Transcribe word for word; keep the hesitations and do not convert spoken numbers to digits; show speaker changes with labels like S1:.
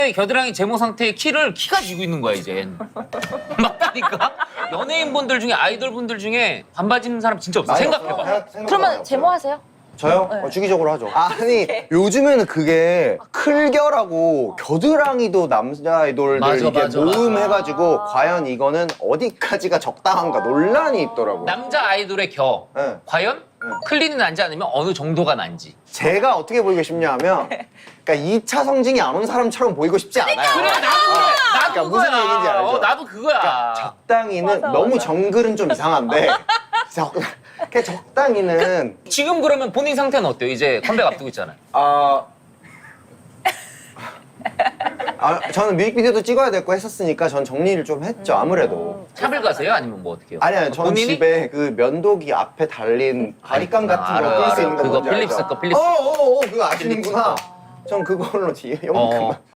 S1: 겨드랑이 제모 상태의 키를 키가 지고 있는 거야 이제. 맞다니까. 연예인분들 중에 아이돌분들 중에 반바지 입는 사람 진짜 없어. 생각해봐.
S2: 그러면 제모하세요?
S3: 저요?
S2: 네.
S3: 어, 주기적으로 하죠. 아니 요즘에는 그게 클결하고 겨드랑이도 남자 아이돌들
S1: 맞아,
S3: 이게
S1: 맞아,
S3: 모음
S1: 맞아.
S3: 해가지고 과연 이거는 어디까지가 적당한가 논란이 있더라고요.
S1: 남자 아이돌의 겨.
S3: 네.
S1: 과연 클린이 난지 않으면 어느 정도가 난지.
S3: 제가 어떻게 보이고 싶냐면 그러니까 이 차 성징이 안 온 사람처럼 보이고 싶지 않아요.
S1: 그래 나도 그래. 나도
S3: 그러니까 무슨
S1: 그거야.
S3: 얘기인지 알죠?
S1: 어, 나도 그거야.
S3: 적당히는 너무 정글은 좀 이상한데 적, 그냥 적당히는
S1: 지금 그러면 본인 상태는 어때요? 이제 컴백 앞두고 있잖아요.
S3: 아, 아 저는 뮤직비디오도 찍어야 될 거 했었으니까 전 정리를 좀 했죠 아무래도.
S1: 샵을 가세요? 아니면 뭐 어떻게 해요?
S3: 아니 아니 저는
S1: 본인이?
S3: 집에 그 면도기 앞에 달린 바리깡
S1: 아,
S3: 같은
S1: 알아요,
S3: 거 끌 수
S1: 알아요.
S3: 있는 거
S1: 그거
S3: 뭔지
S1: 필립스
S3: 알죠?
S1: 거, 필립스
S3: 어어어 그거
S1: 필립스
S3: 아시는구나.
S1: 거.
S3: 전 그걸로 뒤에
S1: 어.
S3: 요만큼만